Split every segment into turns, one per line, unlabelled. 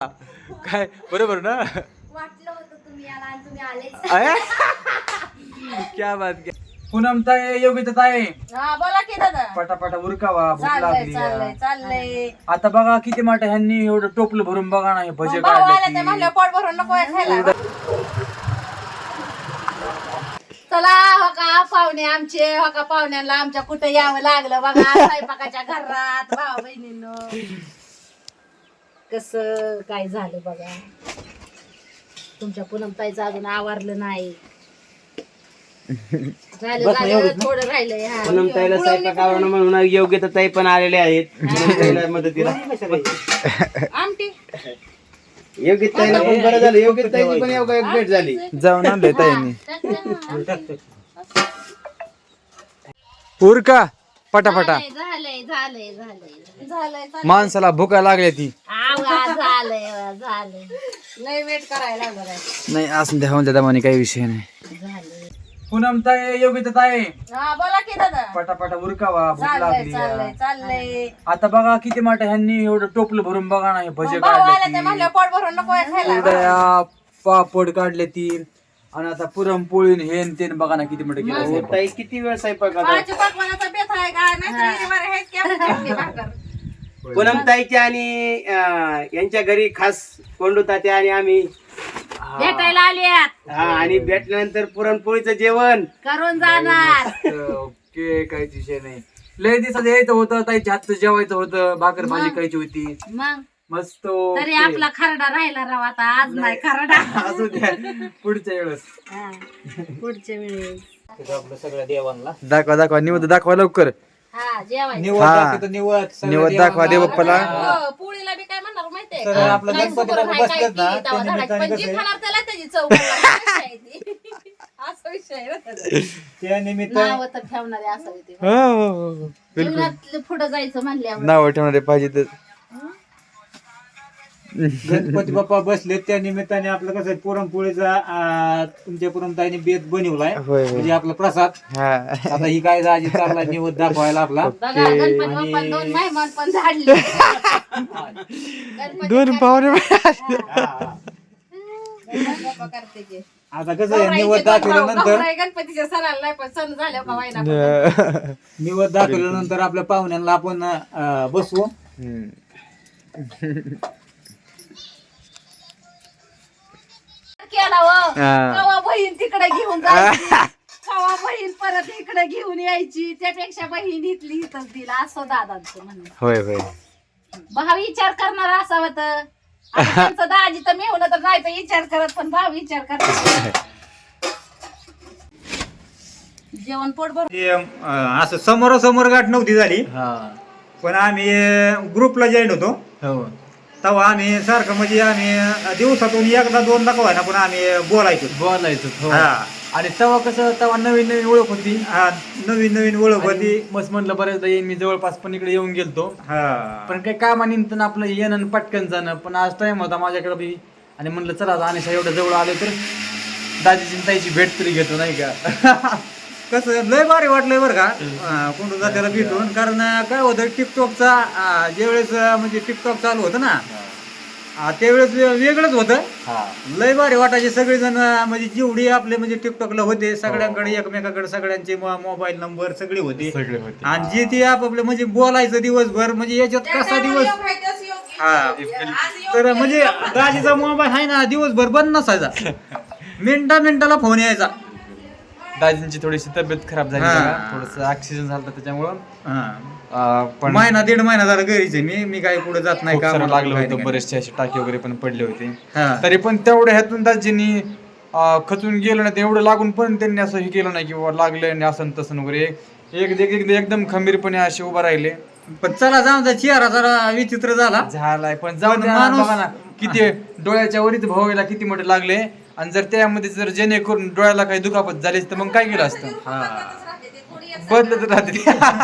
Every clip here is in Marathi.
काय बरोबर ना?
वाटलं होतं तुम्ही याला आणि तुम्ही आलेच.
क्या बात क्या. पूनम ताई, योगिता ताई,
हा बोला की दादा.
पटापटा उरकावा, भूक
चाललंय
लागली.
चाललंय चाललंय.
आता बघा किती मोठं ह्यांनी एवढं टोपलं भरून बघा ना, हे भजे
मग भाऊ आला ते
काढले.
म्हणलं पोट भरून नको आहे खायला. चला हो का पाहुणे आमचे, हो का पाहुण्यांना आमच्या कुठं यावं लागलं बघा स्वयंपाकाच्या घरात भाऊ बहिणींनो. कस काय झालं बघा. तुमच्या पूनम ताईचं अजून आवरलं नाही. झालं झालं थोडं राहिलंय. हा.
पूनम ताईला स्वयंपाक आवडणं म्हणून योग्यता ताई पण आलेले आहेत पूनम ताईला मदतीला.
आमटी
योग्यता ताईला पण बरं झालं, योग्यता ताईची पण एक भेट झाली.
जाऊन आणले ताईंनी. उरका पटापटा.
झालंय झालंय झालंय
झालंय
माणसाला भुका लागल्या ती.
झालंय झालंय.
लय वेट करायला लागलं आहे.
नाही असं द्या होऊन द्या, काही विषय नाही. पूनम ताई, योगिता ताई,
हा बोला की दादा.
पटापटा उरकावा, भूक
चाललंय
लागली.
चाललंय चाललंय.
आता बघा किती मोठं ह्यांनी एवढं टोपलं भरून बघा ना, हे भजे
भाऊ आला ते
काढले.
म्हणलं पोट भरून नको आहे खायला.
उदया पापड काढले ती, आणि आता पुरणपोळी हे न ते न बघा ना किती मोठं केलं
हो,
स्वयंपाक.
ताई किती वेळ स्वयंपाक करतात?
माझ्या पकवानाचा बेत आहे का नाही बरं हेच की आपण चटणी भाकर.
पूनम ताईच्या आणि यांच्या घरी खास कोंडू तात्या आणि आम्ही
भेटायला आल्यात
हा, आणि भेटल्यानंतर पुरणपोळीचं जेवण
करून जाणार.
ओके, काहीच विषय नाही. लय दिवसात यायचं होतं, ताईच्या हातचं जेवायचं होतं, भाकर भाजी खायची होती.
मग
मस्त.
तरी आपला खरडा राहिला राव. आता आज नाही खरडा.
असू द्या, पुढच्या वेळेस
हा. पुढच्या वेळेस
आपलं सगळं देवांना
दाखवा दाखवा, निवद दाखवा लवकर.
हा जेवायचं.
निवड
हा.
दाखवतो,
निवद दाखवा दे बाप्पाला.
हो, पोळीला बी काय म्हणणार माहितीये
तर
का?
आपलं
नाही
गणपती
सुगरण
बाप्पा
आहे, काय
बसतात ना,
की, तेव्हा
त्या
धडाची.
निमित्ताने
पण जी
कसं आहे?
खाणार त्याला त्याची चव कळणार. असा आहे ती. असा विषय आहे बरं का.
त्या निमित्त
नाव तर ठेवणारे असावे ते.
हो, बिलकुल.
जीवनात पुढे जायचं म्हणल्यावर
नाव ठेवणारे पाहिजे तर.
गणपती बाप्पा बसले त्या निमित्ताने आपलं कसं आहे, पुरणपोळीचा तुमच्या पुरणताईने बेत बनवलाय,
होय, होय.
म्हणजे आपला प्रसाद.
हा.
आता ही काय आजी चालला निवद दाखवायला आपला.
बघा गणपती बाप्पा दोन मेहमान पण झाडले. गणपती
दोन पाहुणे
गणपती बाप्पा करते की.
आता कसं आहे, निवद दाखवल्यानंतर
गौराई गणपतीच्या सणाला नाही पण सण झाल्या का वाईना.
निवद दाखवल्यानंतर आपल्या पाहुण्यांना आपण बसवू.
केला व
हा.
कवा बहीण तिकडे घेऊन जायची, कवा बहीण परत इकडे घेऊन यायची. त्यापेक्षा बहीण इथली इथंच दिला असं दादांचं म्हणणं.
होय होय.
भाव विचार करणार असावं तर. आता त्यांचं दाजी तर मेहुणं तर नाही तर विचार करत, पण भाव विचार करत. जेवण पोट भरून
असं समोरासमोर गाठ नव्हती झाली,
हा.
पण आम्ही ग्रुपला जॉईन होतो.
हो.
तेव्हा आम्ही सारखं म्हणजे आम्ही दिवसातून एकदा दोनदा का ना, पण आम्ही बोलायचो.
बोलायचं. हो.
हा.
आणि तेव्हा कसं, तेव्हा नवीन नवीन ओळख होती.
हा, नवीन नवीन ओळख होती.
आणि मस्त म्हटलं बऱ्याचदा येईन मी, जवळपास पण इकडे येऊन गेलतो.
हा,
पण काही कामानिमित्तानं आपलं येणं आणि पटकन जाणं. पण आज टाइम होता माझ्याकडे बी, आणि म्हणलं चला अनिशा एवढं जवळ आले तर दाजीची ताईची भेट तरी घेतो, नाही का?
कसं लय भारी वाटलंय बरं का कोंडू जात्याला भेटून. कारण काय होतं, टिकटॉकचा ज्यावेळेस म्हणजे टिकटॉक चालू होतं ना, त्यावेळेस वेगळंच होतं. लय भारी वाटायचे. सगळेजण म्हणजे जेवढी आपले म्हणजे टिकटॉकला होते, सगळ्यांकडे एकमेकाकडे सगळ्यांचे मोबाईल नंबर सगळे होते. आणि जे ते आपापले म्हणजे बोलायचं दिवसभर, म्हणजे याच्यात कसा दिवस. हा, तर म्हणजे दाजीचा मोबाईल आहे ना, दिवसभर बंद नसायचा. मिनिटाला फोन यायचा.
दाजींची थोडीशी तब्येत खराब झाली,
हा.
थोडस ऑक्सिजन झालं त्याच्यामुळं.
हा.
पण
महिना दीड महिना झाला घरीच आहे मी काही पुढे जात नाही
खूप सारं
कामाला,
लागलं
काही
होतं,
नाही.
बरेचसे असे टाके वगैरे पण पडले होते.
हा.
तरी पण तेवढ्या ह्यातून दाजींनी खचून गेलं नाही, एवढं लागून पण त्यांनी असं हे केलं नाही की बाबा लागलं आणि असं न तसं वगैरे. एकदम खंबीरपणे असे उभा राहिले.
पण चला जाऊन जा, चेहरा जरा विचित्र झाला.
झालाय पण जाऊन
पण
द्या,
माणूस-
बघा ना किती डोळ्याच्या वरीच भावायला किती मोठे लागले. आणि जर त्यामध्ये जर जेणेकरून डोळ्याला काही दुखापत झाली तर मग काय केलं असतं? बदलत राहते.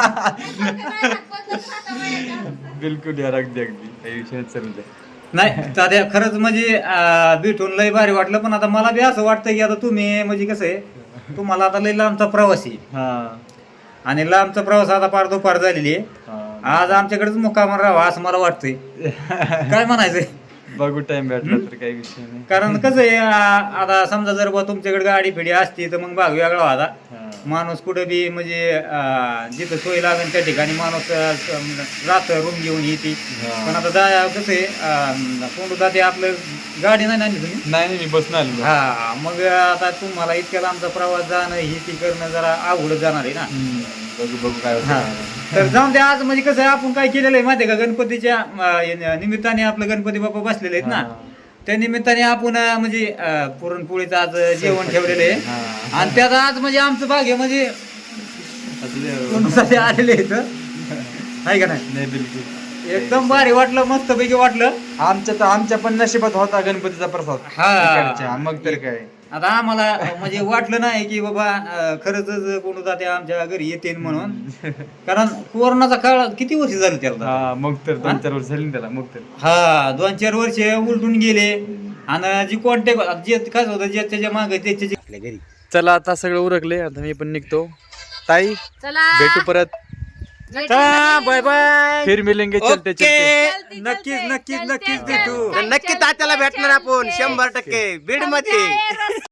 बिलकुल यार, अगदी अगदी काही विषय चालू द्या.
नाही तात्या, खरंच म्हणजे भेटून लय भारी वाटलं. पण आता मला बी असं वाटतं की आता तुम्ही म्हणजे कसं आहे, तुम्हाला आता लय लांबचा प्रवास आहे, आणि लांबचा प्रवास आता पार दुपार झालेली आहे. आज आमच्याकडेच मुक्कामावर राहावा असं मला वाटतंय. काय म्हणायचंय?
बघू टाइम भेटला तर काही विषय नाही.
कारण कसं आहे आता समजा जर बा तुमच्याकडे गाडी फिडी असती तर मग भाग वेगळा होता. माणूस कुठं बी म्हणजे जिथं सोय लागेल त्या ठिकाणी माणूस राहत रूम घेऊन येते. पण आता कसं आहे कोण जाते आपलं गाडी नाही ना तुम्ही.
नाही मी बसून आलो.
हा मग आता तुम्हाला इतक्या लांबचा प्रवास जाणं ही ती करणं जरा अवघड जाणार आहे ना.
बघू काय
हा.
होतं.
तर जाऊन ते आज म्हणजे कसं आहे आपण काय केलेलं आहे माहिती आहे का गणपतीच्या निमित्ताने आपलं गणपती बाप्पा बसलेले आहेत ना. त्या निमित्ताने आपण म्हणजे पुरणपोळीचं आज जेवण ठेवलेलं आहे. आणि त्यात आज म्हणजे आमचं भाग्य म्हणजे कोणासाठी आलेले आहेत आहे का नाही.
नाही बिलकुल
एकदम भारी वाटलं मस्तपैकी वाटलं.
आमच्या पण नशिबात होता गणपतीचा प्रसाद.
हा.
इकडच्या. मग तर काय
आता आम्हाला म्हणजे वाटलं नाही की बाबा खरंच कोण जाते आमच्या घरी येते म्हणून. कारण कोरोनाचा काळ किती वर्ष झालं त्याला.
हा मग तर 2-4 वर्ष झाली ना त्याला. मग तर
हा 2-4 वर्ष उलटून गेले. आणि जी कॉन्टॅक्ट जे काय होतं जे त्याच्या मागे त्याच्या
आपल्या घरी
चला आता सगळं उरकले. आता मी पण निघतो. ताई
चला
भेटू परत.
Bye bye.
फिर मिलेंगे चलते चलते.
नक्कीच नक्कीच नक्कीच भेटू.
नक्की तात्याला भेटणार आपण 100% बीड मध्ये.